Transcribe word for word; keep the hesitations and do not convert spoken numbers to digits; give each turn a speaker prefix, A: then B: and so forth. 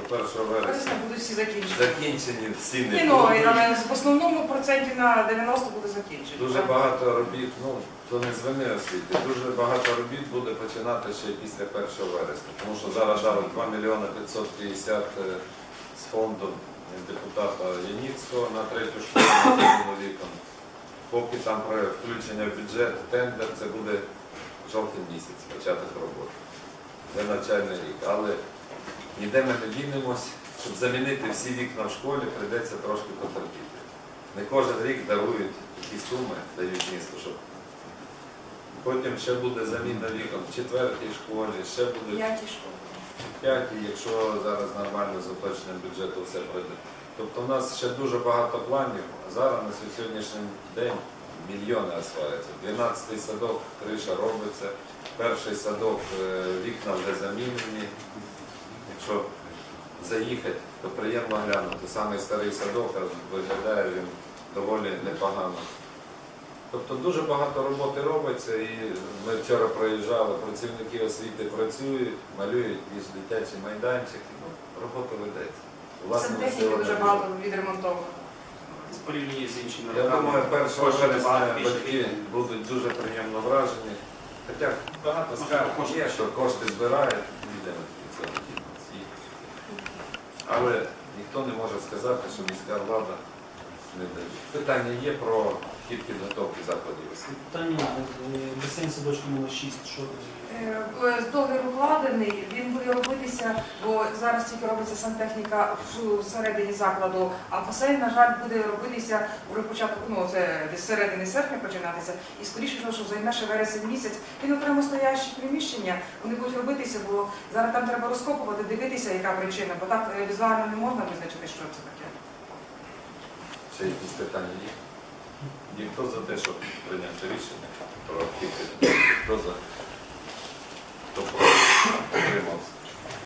A: першого вересня
B: Вересня будуть всі закінчені.
A: закінчені всі
B: Ні,
A: не
B: ну,
A: будуть.
B: але в основному проценті на дев'яносто буде закінчені.
A: Дуже багато робіт, ну, то не з вини освіти, дуже багато робіт буде починати ще після першого вересня. Тому що зараз дали два мільйони п'ятсот п'ятдесят з фонду депутата Яніцького на третю школу на зелену вікон. Поки там про включення в бюджет, тендер, це буде жовтий місяць, початок роботи. Це навчальний рік. Але ніде ми не дінемось, щоб замінити всі вікна в школі, прийдеться трошки потерпіти. Не кожен рік дарують такі суми, дають місту, щоб потім ще буде заміна вікон в четвертій школі, ще буде
B: П'яті школи.
A: в п'ятій, якщо зараз нормально з уточненням бюджету все пройде. Тобто у нас ще дуже багато планів, а зараз на сьогоднішній день мільйони осваюються. дванадцятий садок, криша робиться, перший садок, вікна вже замінені. Якщо заїхати, то приємно глянути. Самий старий садок виглядає він доволі непогано. Тобто дуже багато роботи робиться, і ми вчора проїжджали, працівники освіти працюють, малюють більш дитячі майданчики, ну, робота ведеться.
B: Сантехніки дуже багато відремонтовано.
C: Це порівняно з іншими
A: Я
C: роками.
A: думаю, першого
C: Коштів
A: вересня
C: набагато більше.
A: батьки будуть дуже приємно вражені. Хоча багато скарг є, що кошти збирають, ніде від цього дітей. Але ніхто не може сказати, що міська влада не дає. Питання є про хід підготовки закладів освіти.
D: Питання, басейн садочку номер шість, що
B: Е, Договір укладений, він буде робитися, бо зараз тільки робиться сантехніка всередині закладу, а басейн, на жаль, буде робитися вже початку, ну це десь середини серпня починатися, і скоріше всього, що займе ще вересень місяць. Він окремо стоящі приміщення, вони будуть робитися, бо зараз там треба розкопувати, дивитися, яка причина, бо так е, візуально не можна визначити, що це таке.
A: Ще якісь питання є? Є хто за те, щоб прийняти рішення про хід підготовки? Хто за? Хто проти?